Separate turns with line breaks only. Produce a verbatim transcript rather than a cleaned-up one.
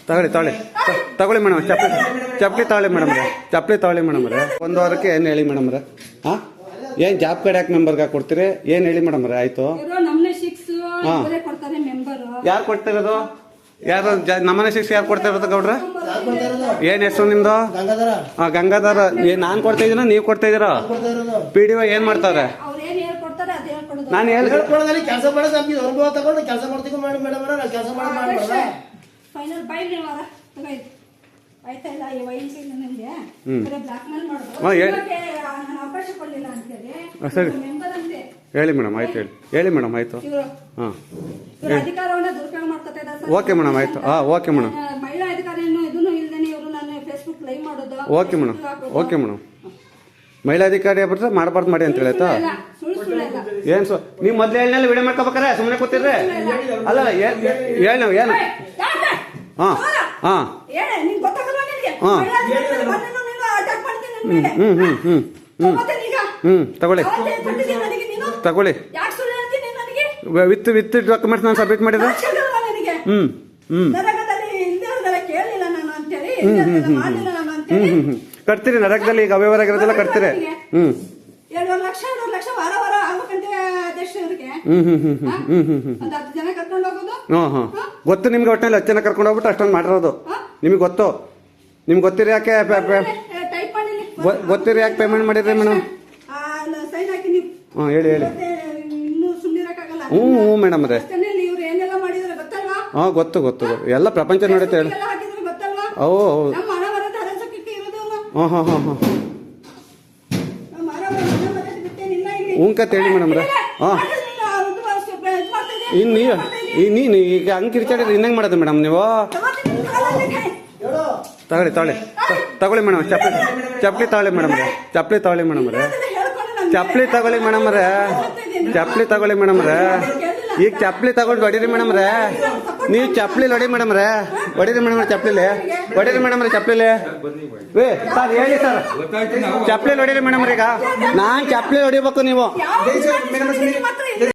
ತಗೊಳ್ಳಿ ತಗೊಳ್ಳಿ ತಗೊಳ್ಳಿ ಮೇಡಮ್ ಚಪ್ಪಲಿ ಚಪ್ಪಲಿ ತಗೊಳ್ಳಿ ಮೇಡಮ್ ರೇ ಚಪ್ಪಲಿ ತಗೊಳ್ಳಿ ಮೇಡಮ್ ರೇ ಒಂದು ವಾರಕ್ಕೆ ಏನು ಹೇಳಿ ಮೇಡಮ್ ರೇ ಹಾಂ ಏನು ಜಾಬ್ ಕಾರ್ಡ್ ಯಾಕೆ ಮೆಂಬರ್ಗೆ ಕೊಡ್ತೀರಿ ಏನು ಹೇಳಿ ಮೇಡಮ್ ರೇ ಆಯಿತು ಹಾಂ ಯಾರು ಕೊಡ್ತಿರೋದು ಯಾರು ನಮ್ಮನೆ ಶಿಕ್ಷೆ ಯಾರು ಕೊಡ್ತಾ ಇರೋದು ಗೌಡ್ರ ಏನ್ ಹೆಸರು ನಿಮ್ದು ಹಾಂ ಗಂಗಾಧರ ನಾನು ಕೊಡ್ತಾ ಇದೀನ ನೀವು ಕೊಡ್ತಾ ಇದೀರಾ ಪಿ ಡಿ ಒ ಏನ್ ಮಾಡ್ತಾರೆ ನಾನು ಹೇಳ್ಕೊಡೋದಲ್ಲಿ ಕೆಲಸ ಮಾಡೋದು ನಮ್ಗೆ ಅನುಭವ ತಗೊಂಡು ಕೆಲಸ ಮಾಡ್ತೀವಿ ಮಾಡಿ ಮೇಡಮ್ ನಾವು ಕೆಲಸ ಮಾಡಿ ಸರಿ ಹೇಳಿ ಮೇಡಮ್ ಆಯ್ತು ಹೇಳಿ ಹೇಳಿ ಮೇಡಮ್ ಆಯ್ತು ಹಾಂ ಓಕೆ ಮೇಡಮ್ ಆಯ್ತು ಹಾಂ okay madam okay madam okay madam ಮಹಿಳಾಧಿಕಾರಿ ಬಿಟ್ರೆ ಮಾಡಬಾರ್ದು ಮಾಡಿ ಅಂತ ಹೇಳಾಯ್ತಾ ಏನ್ ಸೊ ನೀವು ಮೊದ್ಲು ಹೇಳಿನಲ್ಲಿ ವಿಡಿಯೋ ಮಾಡ್ಕೋಬೇಕಾರೆ ಸುಮ್ಮನೆ ಕೂತಿದ್ರೆ ಅಲ್ಲ ಹೇಳಿ ನಾವು ಏನು ಹಾಂ ಹಾಂ ಹಾಂ ಹ್ಞೂ ಹ್ಞೂ ಹ್ಞೂ ಹ್ಞೂ ಹ್ಞೂ ತಗೊಳ್ಳಿ ತಗೊಳ್ಳಿ ವಿತ್ ವಿತ್ ಡಾಕ್ಯುಮೆಂಟ್ಸ್ ನಾನು ಸಬ್ಮಿಟ್ ಮಾಡಿದ್ರೆ ಹ್ಞೂ ಹ್ಞೂ ಹ್ಞೂ ಹ್ಞೂ ಹ್ಞೂ ಕಟ್ತೀರಿ ನರಕದಲ್ಲಿ ಈಗ ಅವ್ಯವಹಾರ ಆಗಿರೋದೆಲ್ಲ ಕಟ್ತೀರಿ ಹ್ಞೂ ಹ್ಮ್ ಹ್ಮ್ ಹ್ಮ್ ಹ್ಮ್ ಹ್ಮ್ ಹ್ಮ್ ಹಾಂ ಹಾಂ ಗೊತ್ತು ನಿಮ್ಗೆ ಒಟ್ಟಿನಲ್ಲಿ ಹತ್ತು ಜನ ಕರ್ಕೊಂಡು ಹೋಗ್ಬಿಟ್ಟು ಅಷ್ಟೊಂದು ಮಾಡಿರೋದು ನಿಮಗೆ ಗೊತ್ತು ನಿಮ್ಗೆ ಗೊತ್ತಿರಿ ಯಾಕೆ ಗೊತ್ತಿರಿ ಯಾಕೆ ಪೇಮೆಂಟ್ ಮಾಡಿದ್ರಿ ಮೇಡಮ್ ಹಾಂ ಹೇಳಿ ಹೇಳಿ ಹ್ಞೂ ಹ್ಞೂ ಮೇಡಮ್ ಅದೇ ಹಾಂ ಗೊತ್ತು ಗೊತ್ತು ಎಲ್ಲ ಪ್ರಪಂಚ ನಡೀತೆ ಹೇಳಿ ಓ ಹೌದು ಹಾಂ ಹಾಂ ಹಾಂ ಹಾಂ ಹ್ಞೂಂಕತ್ ಹೇಳಿ ಮೇಡಮ್ ರೇ ಹಾಂ ಇನ್ನು ನೀವು ನೀನು ಈಗ ಹಂಗೆ ಕಿರ್ಚಾಡಿದ್ರೆ ಇನ್ನಂಗೆ ಮಾಡೋದು ಮೇಡಮ್ ನೀವು ತಗೊಳ್ಳಿ ತಗೊಳ್ಳಿ ತಗೊಳ್ಳಿ ಮೇಡಮ್ ಚಪ್ಪಲಿ ಚಪ್ಪಲಿ ತಗೊಳ್ಳಿ ಮೇಡಮ್ ರೇ ಚಪ್ಪಲಿ ತಗೊಳ್ಳಿ ಮೇಡಮ್ ರೇ ಚಪ್ಪಲಿ ತಗೊಳ್ಳಿ ಮೇಡಮ್ ರೇ ಚಪ್ಪಲಿ ತಗೊಳ್ಳಿ ಮೇಡಮ್ ರೇ ಈಗ ಚಪ್ಪಲಿ ತಗೊಂಡು ಹೊಡೀರಿ ಮೇಡಮ್ ರೇ ನೀವು ಚಪ್ಪಲಿ ಹೊಡಿ ಮೇಡಮ್ ರೇ ಹೊಡೀರಿ ಮೇಡಮ್ ಚಪ್ಪಲಿಲಿ ಹೊಡೀರಿ ಮೇಡಮ್ ರೇ ಚಪ್ಪಲಿಲಿ ವೇ ಸರ್ ಹೇಳಿ ಸರ್ ಚಪ್ಪಲಿ ಹೊಡೀರಿ ಮೇಡಮ್ ರೀ ಈಗ ನಾನು ಚಪ್ಪಲಿ ಹೊಡಿಬೇಕು ನೀವು